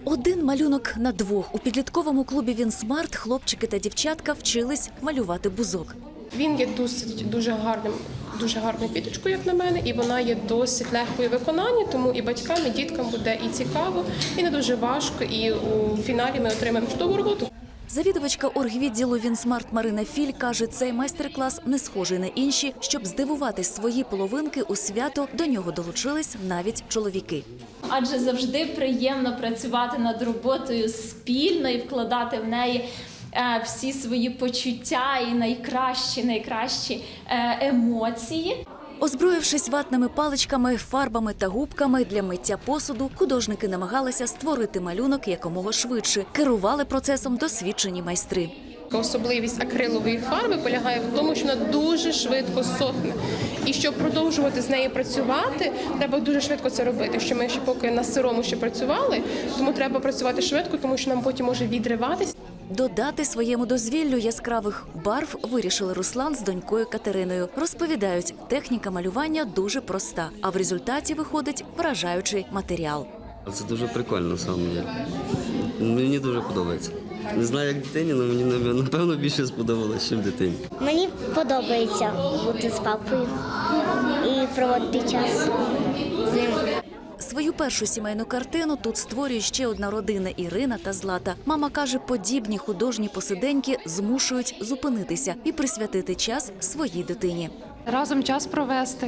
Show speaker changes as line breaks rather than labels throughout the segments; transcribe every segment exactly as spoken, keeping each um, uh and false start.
Один малюнок на двох. У підлітковому клубі «Вінсмарт» хлопчики та дівчатка вчились малювати бузок.
Він є досить дуже гарним, дуже гарною квіточкою, як на мене, і вона є досить легкою в виконанні, тому і батькам, і діткам буде і цікаво, і не дуже важко, і у фіналі ми отримаємо чудову роботу.
Завідувачка оргвідділу «Вінсмарт» Марина Філь каже, цей майстер-клас не схожий на інші. Щоб здивувати свої половинки у свято, до нього долучились навіть чоловіки.
Адже завжди приємно працювати над роботою спільно і вкладати в неї всі свої почуття і найкращі, найкращі емоції.
Озброївшись ватними паличками, фарбами та губками для миття посуду, художники намагалися створити малюнок якомога швидше. Керували процесом досвідчені майстри.
Особливість акрилової фарби полягає в тому, що вона дуже швидко сохне. І щоб продовжувати з нею працювати, треба дуже швидко це робити. Що ми ще поки на сирому ще працювали, тому треба працювати швидко, тому що нам потім може відриватись.
Додати своєму дозвіллю яскравих барв вирішили Руслан з донькою Катериною. Розповідають, техніка малювання дуже проста, а в результаті виходить вражаючий матеріал.
Це дуже прикольно саме. Мені дуже подобається. Не знаю, як дитині, але мені, напевно, більше сподобалося, ніж дитині.
Мені подобається бути з папою і проводити час з ним.
Свою першу сімейну картину тут створює ще одна родина – Ірина та Злата. Мама каже, подібні художні посиденьки змушують зупинитися і присвятити час своїй дитині.
Разом час провести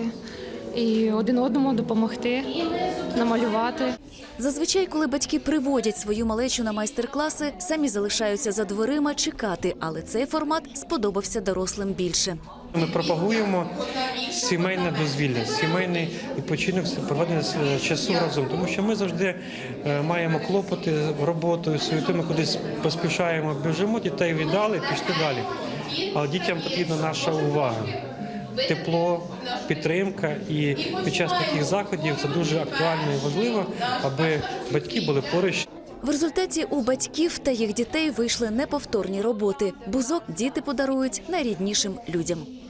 і один одному допомогти, намалювати.
Зазвичай, коли батьки приводять свою малечу на майстер-класи, самі залишаються за дверима чекати, але цей формат сподобався дорослим більше.
Ми пропагуємо сімейне дозвілля, сімейний відпочинок, проведення часу разом, тому що ми завжди маємо клопоти роботою, суєту, ми кудись поспішаємо, біжимо, дітей віддали, пішли далі. Але дітям потрібна наша увага. Тепло, підтримка, і під час таких заходів це дуже актуально і важливо, аби батьки були поруч.
В результаті у батьків та їх дітей вийшли неповторні роботи. Бузок діти подарують найріднішим людям.